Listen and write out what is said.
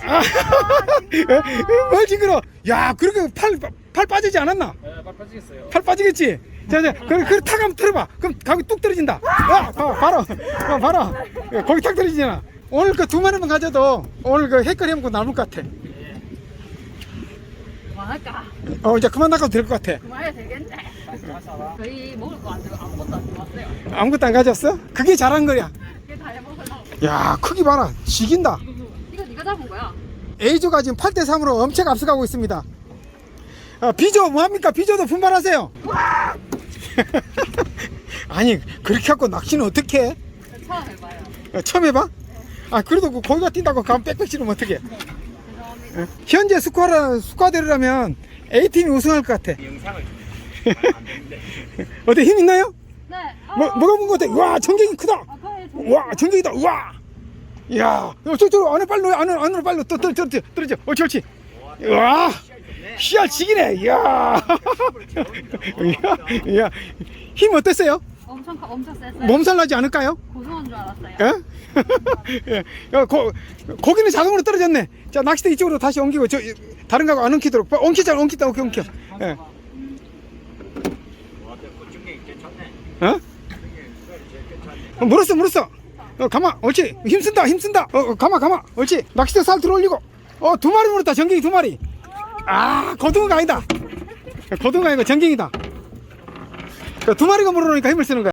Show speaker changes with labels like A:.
A: 뭘 징그러? 야, 그렇게 팔 빠지지 않았나?
B: 네, 빨리 빠지겠어요.
A: 팔 빠지겠지? 자, 그래, 탁 한번 틀어봐. 그럼 가기 뚝 떨어진다. 바로. 거기 탁 떨어지잖아. 오늘 그 2마리만 가져도 오늘 그 헷갈리 해먹고 남을 것 같아.
C: 그만할까?
A: 이제 그만 나가도 될 것 같아.
C: 그만해야 되겠네. 저희 먹을 거 안 들고 아무것도 안 들어왔어요.
A: 아무것도 안 가져왔어? 그게 잘한 거야.
C: 이게 다 해먹으려고.
A: 야, 크기 봐라. 지긴다.
C: 이거 네가 잡은 거야?
A: A조가 지금 8대3으로 엄청 앞서가고 있습니다. B조 뭐합니까? B조도 분발하세요. 아니, 그렇게 갖고 낚시는 어떻게 해?
C: 처음 해봐요.
A: 처음 해봐? 그래도 그 고기가 뛴다고 가면 빽빽 치르면 어떡해?
C: 죄송합니다.
A: 현재 스쿼드라면 A팀이 우승할 것 같아.
B: 영상을
A: 어때, 힘 있나요?
C: 네.
A: 뭐가 본 것 같아? 와, 전갱이 크다. 와, 전갱이다. 와. 야, 저쪽으로 안에 빨리 넣어. 안으로 빨리 또 떨어져. 옳지. 와, 씨알 지기네. 야, 힘 어땠어요?
C: 엄청 셌어요.
A: 몸살 나지 않을까요?
C: 고소한 줄 알았어요.
A: 예? 고기는 자동으로 떨어졌네. 자, 낚싯대 이쪽으로 다시 옮기고, 다른 거하고 안 엉키도록. 엉키자. 엉켜. 예. 물었어. 가마. 옳지. 힘쓴다. 가마. 옳지. 낚싯대 살 들어 올리고. 2마리 물었다. 전갱이 2마리. 고등어가 아니다. 고등어가 아니고 전갱이다. 2마리가 물어놓으니까 힘을 쓰는 거야.